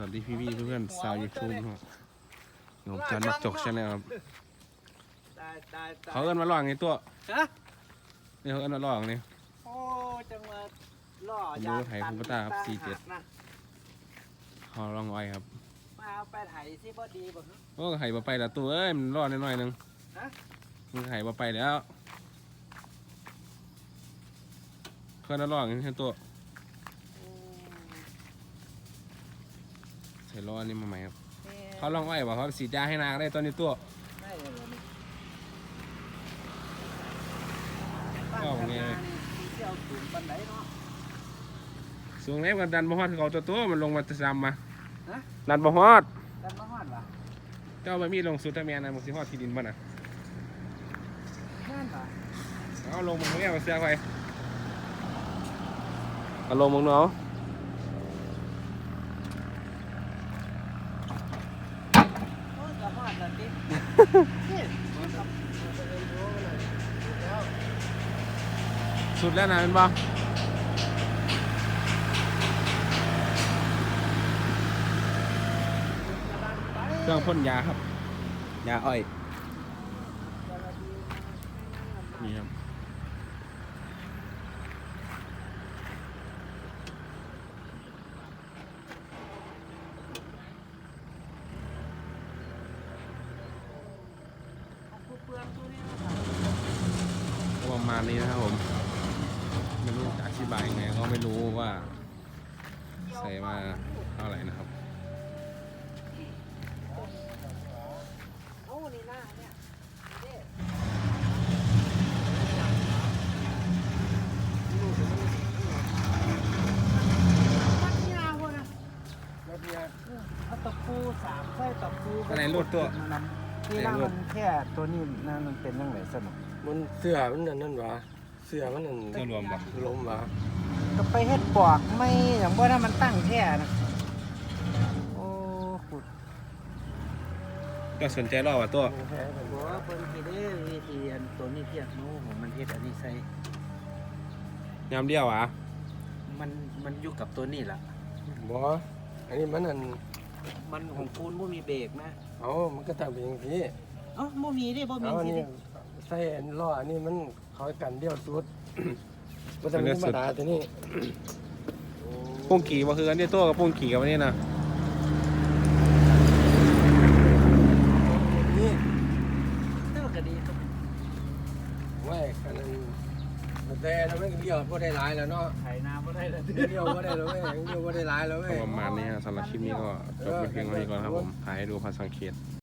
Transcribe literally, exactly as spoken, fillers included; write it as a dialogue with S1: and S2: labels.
S1: สวัสดีพี่พี่เพื่อนสาวยูทูบครับผมจันมักจกใช่ไหมครับเขาเอิ้นมาล่อไงตัวนี่เขาเอิ้นมาล่อไง
S2: โอ้จังหวะล่อ
S1: ผมดูไถคุณป้าตาครับสี่เจ็ดเขาลองไว้ครับ
S2: มาเอาไปไถสิบ่ดีบ่
S1: โอ้ไห่มาไปแล้วตัวเอ้ยมันล่อน้อยๆนึงมันไห่มาไปแล้วเพื่อนล่อไงตัวใส่ล้อนี่มาใหม่ครับเขาลองไว้บอกเขาสีดยาให้นางได้ตอนนี้ตัวก็ไงสูงเล็บกันดันบ่ฮอดเขาตัวตัวมันลงมาจะซ้ำมาดันบ่ฮอด
S2: ดันบ่ฮอดวะ
S1: เจ้าบะมีลงสุดทะเมียนะมันสิฮอดที่ดินบ้านน่ะ
S2: นั่นเหรอ
S1: เอาลงมึงเนี่ยมาเสียไปเอาลงมึงเนาะ
S2: โอ้จะฮอดแล้วติ
S1: สุดแล้วนะเป็นบ่เครื่องพ่นยาครับยาอ้อยนี่ครับประมาณนี้นะครับผมไม่รู้จะอธิบายยังไงก็ไม่รู้ว่าใส่มาเท่าไหร่นะครับ
S2: เอาตะปูสามไส้ตะปู
S1: อะไรรูดตัว
S2: ที่ล่างมันแค่ตัวนี้นั่นมันเป็นยังไงสนุก
S3: มันเสื้อมันนั่นนั่นวะเสื้อมันนั่น
S1: เสื้อรวมปะ
S3: ลมวะ
S2: ก็ไปเฮ็ดปอกไม่อย่างว่าถ้ามันตั้งแค่นะโอ้ขุด
S1: ก็สนใจรอบว่าตัว
S2: บอกว่าเพิ่นสิได้วิธีอันตัวนี้เทียบโน้ของมันเฮ็ดอันนี้ใส่
S1: ยามเดียวอ่ะ
S2: มันมันอยู่กับตัวนี้ล่ะ
S3: บ่อันนี้มันนั่น
S2: มันของคูณบ่มีเบรกนะ
S3: เอามันก็ต้องเป็นอย่างนี้
S2: เอ้าบ่มีดิบ่มีสิดิ
S3: ใส่ล้ออันนี้มันเขากันเดียวสุดมันจะเป็นธรรมดาตัวนี้
S1: ปุ้งขี่มาคือกันเนี่ยตัวกับปุ้งขี่กับอันนี้นะ
S3: นี่
S2: เท่าก็ดีครับ
S3: ไว้กันนั้นแต่เราไม่เดียวพอได้หลายแล้วเนาะ
S2: ไถนาบ่ได้แล้ว
S3: เดียวพอได้แล้วเว้ยเดียวพอได้หลายแล้วเว้ย
S1: ประมาณนี้ฮะสำหรับคลิปนี้ก็จบไปเพียงเท่านี้ก่อนครับผมถ่ายให้ดูพาสังเกต